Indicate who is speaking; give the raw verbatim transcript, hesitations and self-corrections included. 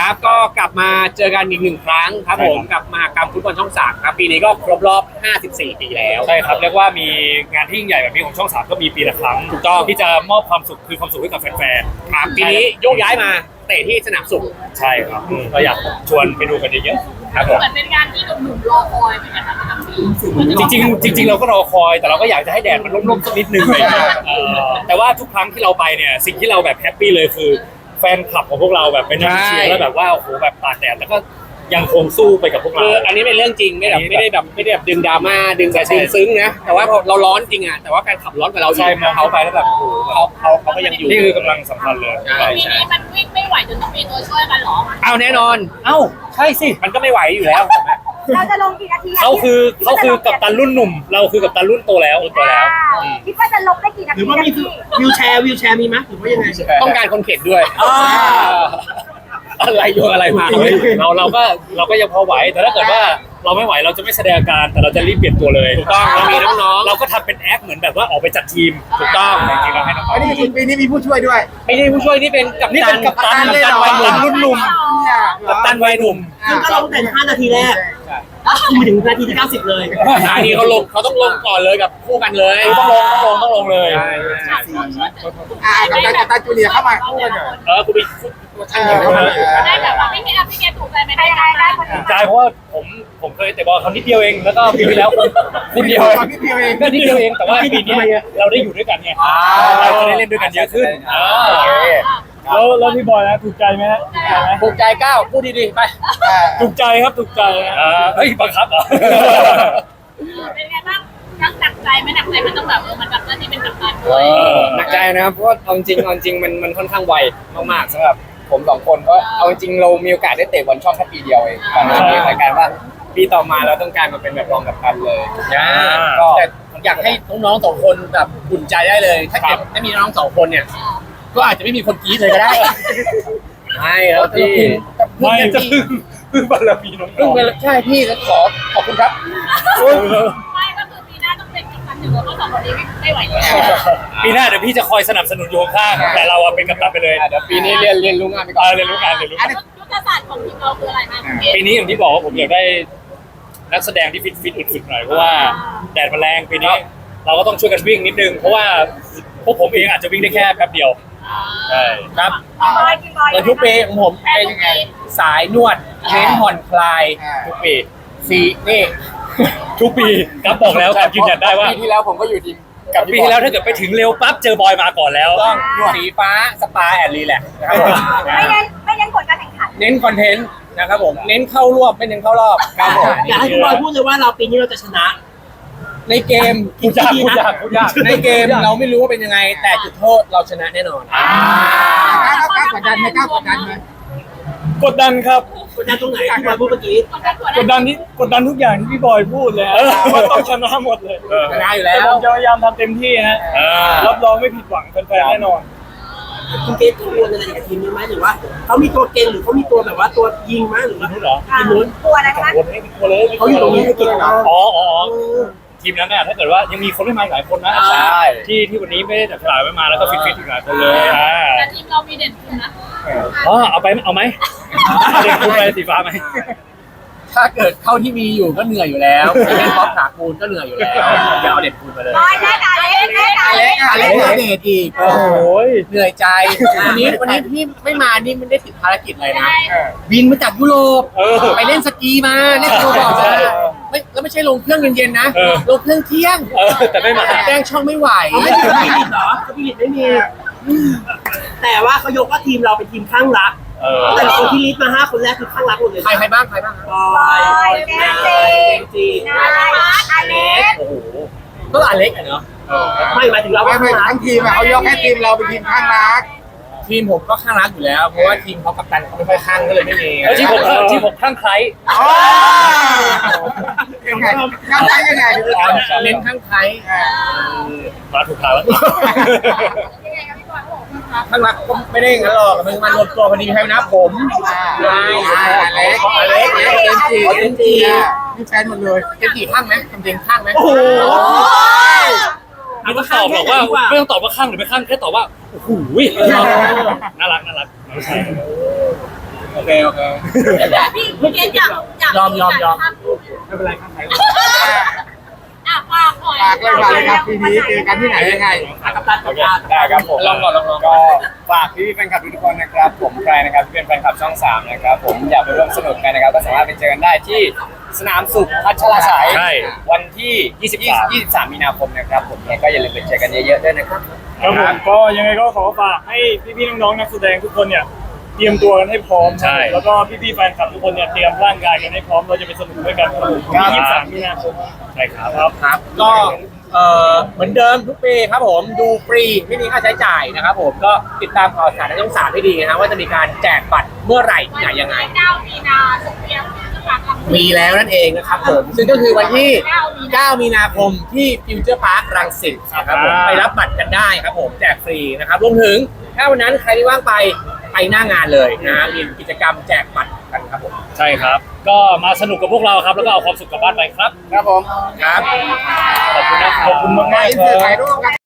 Speaker 1: ครับก็กลับมาเจอกันอีกหนึ่งครั้งครับผมกับมหกรรมฟุตบอลช่องสามครับปีนี้ก็ครบรอบห้าสิบสี่ปีแล้ว
Speaker 2: ใช่ครับเรียกว่ามีงานที่ยิ่งใหญ่แบบนี้ของช่องสามก็มีปีละครั้งถูกต้องที่จะมอบความสุขคือความสุขให้กับแฟนๆ
Speaker 1: ครับปีนี้โยกย้ายมาเตะที่สนามสุข
Speaker 2: ใช่ครับก็อยากชวนไปดูกันเยอะๆครับผม
Speaker 3: เหมือนเป็นงานที่หนุ่มๆรอคอยเหมือนกันนะครับ
Speaker 2: จริงๆจริงๆเราก็รอคอยแต่เราก็อยากจะให้แดดมันร่มๆสักนิดนึงเลยแต่ว่าทุกครั้งที่เราไปเนี่ยสิ่งที่เราแบบแฮปปี้เลยคือแฟนคลับของพวกเราแบบไปนั่งเชียร์แล้วแบบว่าโอ้โหแบบตากแดดแล้วก็ยังคงสู้ไปกับพวกเรา
Speaker 1: อันนี้เป็นเรื่องจริงไม่แบบไม่ได้แบบไม่ได้แบบดึงดราม่าดึงแต่ดึงซึ้งนะแต่ว่าเราร้อนจริงอ่ะแต่ว่าแฟนขับร้อนกับเรา
Speaker 2: ใช่มองเขาไปแล้วแบบโอ้โห
Speaker 1: เขาเขาเขาก็ยังอยู่
Speaker 2: นี่คือกำลังสำคัญเลย
Speaker 3: ปีนี้มันวิ่งไม่ไหวจนต้องมีตัวช่วยกันหรอ
Speaker 1: เอาแน่นอน
Speaker 2: เอ้าใช่สิ
Speaker 1: มันก็ไม่ไหวอยู่แล้ว
Speaker 4: เราจะลงกี่นาที
Speaker 2: เขาคือเขาคือกัปตันรุ่นหนุ่มเราคือกัปตันรุ่นโตแล้วโตแล้ว
Speaker 4: คิดว่าจะลงได้กี่นาที
Speaker 5: หรือว่ามีวิวแชร์วิวแชร์มีไหมหรือว่ายังไง
Speaker 1: ต้องการคนเข็นด้วยอะไรโยนอะไรมา
Speaker 2: เราเราก็เราก็ยังพอไหวแต่ถ้าเกิดว่าเราไม่ไหวเราจะไม่แสดงอาการแต่เราจะรีบเปลี่ยนตัวเลย
Speaker 1: ถูกต้องเรามีน้อง
Speaker 2: ๆเราก็ทำเป็นแอคเหมือนแบบว่าออกไปจัดทีม
Speaker 1: ถูกต้อง
Speaker 2: จริงๆเราให้น้อง
Speaker 5: อันนี้ปีนี้มีผู้ช่วยด้วย
Speaker 1: ไม่ใช่ผู้ช่วยนี่เป็นกัปตัน
Speaker 2: กัปตันกัปตันวัยหนุ่มรุ่นหนุ่มกัปตันวัยหนุ่ม
Speaker 5: ซึ่งก็ลงแต่ห้านาทีแรกมาถึงนาทีที่เก้าสิบเลย
Speaker 1: นาทีเขาลงเขาต้องลงก่อนเลยกับคู่กันเลย
Speaker 2: ต้องลงต้องลงต้องลงเลย
Speaker 5: อ่ากัปตันกัปตันจูเนียร์เข้ามา
Speaker 1: เออคุณไป
Speaker 3: ได้แบบว่าไม่มีอะไรที่แกถูกใจไม่ได้ได้ได้
Speaker 2: ถูกใจเพราะว่าผมผมเคยเตะบอลครั้งนิดเดียวเองแล้วก็ปีที่แล้วนิดเดียว
Speaker 5: นิดเดียวเอง
Speaker 2: ก็นิดเดียวเองแต่ว่าปีนี้เราได้อยู่ด้วยกันไงเราจะได้เล่นด้วยกันเยอะขึ้น
Speaker 6: แล้วแล้วพี่บอยนะถูกใจไหมฮะ
Speaker 1: ถูกใจก้าวพูดดีๆไป
Speaker 6: ถูกใจครับถูกใจ
Speaker 2: เฮ้ยบังคับเหรอ
Speaker 3: เป็นไงบ้างนักหนักใจไหมหนักใจมันต้องแบบเออมันแบบนี่เป็นกัปตันด้วย
Speaker 1: หนักใจนะครับเพราะว่าเอาจริงเอาจริงมันมันค่อนข้างไวมากๆสำหรับผมสองคนก็เอาจริงเรามีโอกาสได้เตะบอลช่องแค่ปีเดียวเองก่อนหน้านี้รายการว่าปีต่อมาเราต้องการมาเป็นแบบรองกัปตันเลยก็อยากให้น้องๆสองคนแบบอุ่นใจได้เลยถ้าเกิดไม่มีน้องสองคนเนี่ยก็อาจจะไม่มีคนกรี๊ดเลยก็ได้ใช่ครับพี่
Speaker 2: ไม่จะพึ่งพึ่งบารมีน้อง
Speaker 1: พึ่งใช่พี่ขอขอบคุณครับ
Speaker 3: ไม่ก็คือปีหน้าต้องเป็นกัปตันหนึ่งแล้วก็สองคนนี้ไม่ไหวแล้ว
Speaker 2: ปีหน้าเดี๋ยวพี่จะคอยสนับสนุนโยงข้างแต่เราเป็นกัปตันไปเลย
Speaker 1: เดี๋ยวปีนี้เรียนเรียนรู้งานไปก่อน
Speaker 2: เรียนรู้งานเรียนรู้
Speaker 3: ยุทธศาสตร์ของทีมเราคืออะไรบ้าง
Speaker 2: ปีนี้อย่างที่บอกว่าผมอยากได้นักแสดงที่ฟิตฟิตอึดๆหน่อยเพราะว่าแดดมันแรงปีนี้เราก็ต้องช่วยกันวิ่งนิดนึงเพราะว่าพวกผมเองอาจจะวิ่งได้แค่แป๊บเดียวใช่
Speaker 1: ครับแล้วทุกปีของผมเป็นยังไงสายนวดเน้นผ่อนคลายทุกปีสีนี่
Speaker 2: ทุกปีครับบอกแล้วครับยืนยันได้ว่า
Speaker 1: ปีที่แล้วผมก็อยู่ทีม
Speaker 2: กับปีที่แล้วถ้าเกิดไปถึงเร็วปั๊บเจอบอยมาก่อนแล้ว
Speaker 1: ต้องสีฟ้าสปาแอนด์รีแลกซ์นะครับผม
Speaker 4: ไม่เน้นไม่เน้นผลการแข่งขัน
Speaker 1: เน้นคอนเทนต์นะครับผมเน้นเข้ารอบไม่เน้นเข้ารอบครับผม
Speaker 5: อยากให้พี่บอยพูดเลยว่าเราปีนี้เราจะชนะ
Speaker 1: ในเกม
Speaker 2: พูดยากพูดยากพูดยาก
Speaker 1: ในเกมเราไม่รู้ว่าเป็นยังไงแต่จุดโทษเราชนะแน่นอน
Speaker 5: ก้าวกดดันไหมก้าวกดดันไหม
Speaker 6: กดดันครับ
Speaker 5: กดดันตรงไหนพี่บอยพูดเมื่อกี้
Speaker 6: กดดันที่กดดันทุกอย่างที่พี่บอยพูดเลยว่าต้องชนะหมดเลย
Speaker 1: ชนะอยู่แล้ว
Speaker 6: ผมจะพยายามทำเต็มที่ฮะรับรองไม่ผิดหวังแฟนๆแน่นอน
Speaker 5: คุณเกตกังวลอะไรกับทีมนี้ไหมหรือว่าเขามีตัวเก่งหรือเขามีตัวแบบว่าตัวยิงไหมหรือว่า
Speaker 2: ทีม
Speaker 5: นู้น
Speaker 4: ตัวอะไรคะ
Speaker 2: คนไม่มีตัวเลย
Speaker 5: เขาอยู่ตรงนี้ให้เก่งเนาะ
Speaker 2: อ๋ออ๋อทีมนั้นเนี่ยถ้าเกิดว่ายังมีคนไม่มาหลายคนนะ
Speaker 1: ใช่
Speaker 2: ที่ที่วันนี้ไม่ได้จับฉลากไม่มาแล้วก็ฟิตฟิตอีกหลายคนเลย
Speaker 3: แต่ทีมเรามีเด่นคุณนะ
Speaker 2: อ๋อเอาไปเอาไหมเด่นคุณไปสีฟ้าไหม
Speaker 1: ถ้าเกิดเข้าที่มีอยู่ก็เหนื่อยอยู่แล้วเล่นบอลขาคูนก็เหนื่อยอยู่แล้วอย่าเอาเด็ดคูนไปเลย
Speaker 4: บอยได้ค่ะเล็กได้ค่ะ
Speaker 1: เล็กเล็กเด็ดอีก
Speaker 2: โอ้ย
Speaker 1: เหนื่อยใจวันนี้วันนี้พี่ไม่มานี่ไม่ได้ติดภารกิจอะไรนะบินมาจากยุโรปไปเล่นสกีมาเล่นโรบอทไม่แล้วไม่ใช่ลงเครื่องเย็นๆนะลงเครื่องเที่ยง
Speaker 2: แต่ไม่มา
Speaker 1: แจ้งช่องไม่ไหว
Speaker 5: ไม่มีไม่มีเหรอพี่ลิตไม่มีแต่ว่าเขายกว่าทีมเราเป็นทีมข้างรักแต่คนที่ลิสต์มาห้าคนแรกคือข้างรักหมดเลย
Speaker 1: ใครใครบ้างใครบ้าง
Speaker 5: บอย
Speaker 4: เจมส์จีนายอเล็ก
Speaker 1: โอ้โหก็อเล็กอ่ะเนาะ
Speaker 5: ไม่หมายถึงเรา
Speaker 7: ไม่ไม่ทั้งทีมเขายกให้ทีมเราเป็นทีมข้างรัก
Speaker 1: ทีมผมก็ข้างรักอยู่แล้วเพราะว่าทีมเขากัปตันเขาไม่ค่อยข้างก็เลยไม่มี
Speaker 2: ทีมผมทีมผมข้างใคร
Speaker 7: ยังไงข้างใครยังไง
Speaker 1: เน้นข้างใคร
Speaker 2: มาถูกทางแล้ว
Speaker 1: ข้างรักก็ไม่ได้งั้นหรอกมันมันรวมตัวพอดีใครนะผม
Speaker 7: ใช่อเล็ก
Speaker 1: อเล็กเจมจีเจมจี
Speaker 7: นี่แฟนหมดเลย
Speaker 1: เจมจีข้างไหมทำเจมข้างไหม
Speaker 5: โอ้โห
Speaker 2: ไม่ต้องตอบหรอกว่าไม่ต้องตอบว่าข้างหรือไม่ข้างแค่ตอบว่าโอ้โหน่ารักน่ารัก
Speaker 7: โอเคโอเค
Speaker 3: พี่พี่เกณฑ์อยากอยาก
Speaker 5: ยอมยอมยอม
Speaker 2: ไม่เป็นไรครับ
Speaker 3: อ่ะฝากหน่อย
Speaker 7: ฝากเลยฝากเลยครับปีนี้เจอกันที่ไหนยังไง
Speaker 5: กับตันกับตา
Speaker 1: ได้ครับผมลองก่อนลองก่อนก็ฝากพี่ๆแฟนคลับทุกคนนะครับ ผมใครนะครับที่เป็นแฟนคลับช่องสามนะครับผมอยากไปร่วมสนุกกันนะครับก็สามารถไปเจอกันได้ที่สนามสุขพัชรสาย
Speaker 2: ใช่
Speaker 1: วันที่ ยี่สิบสาม มีนาคมนะครับผมเนี่ยก็อย่าลืมไปเจอกันเยอะๆด้วยนะครับ
Speaker 6: ครับผมก็ยังไงก็ขอฝากให้พี่ๆน้องๆนักแสดงทุกคนเนี่ยเตรียมตัวกันให้พร้อม
Speaker 2: ใช่
Speaker 6: แล้วก็พี่ๆแฟนคลับทุกคนเนี่ยเตรียมร่างกายกันให้พร้อมเราจะไปสนุกด้วยกันครับผมวันที่ยี่สิบสามมีนาคม
Speaker 2: ใช่ครับ
Speaker 6: ครับ
Speaker 8: ครับก็เอ่อเหมือนเดิมทุกปีครับผมดูฟรีไม่มีค่าใช้จ่ายนะครับผมก็ติดตามข่าวสารในช่องสามให้ดีนะฮะว่าจะมีการแจกบัตรเมื่อไหร่ที่ไหนยังไง
Speaker 3: เก้ามีนาสุขเพียงจะฝากคำ
Speaker 8: มีแล้วนั่นเองนะครับผมซึ่งก็คือวันที่เก้ามีนาคมที่ฟิวเจอร์พาร์ครังสิตนะครับผมไปรับบัตรกันได้ครับผมแจกฟรีนะครับรวมถึงถ้าวันนั้นใครที่ว่างไปไปหน้างานเลยนะฮะมีกิจกรรมแจกบัตรกันครับผม
Speaker 2: ใช่ครับ ก็มาสนุกกับพวกเราครับแล้วก็เอาความสุขกลับบ้านไปครับ
Speaker 7: ครับผม
Speaker 8: ครับ
Speaker 2: ขอบคุณนะครับ
Speaker 6: ขอบคุณมากๆ
Speaker 7: อิน
Speaker 6: ค
Speaker 7: เสิร์ต
Speaker 6: รั
Speaker 7: ถ่าย
Speaker 6: บ
Speaker 7: รูปกัน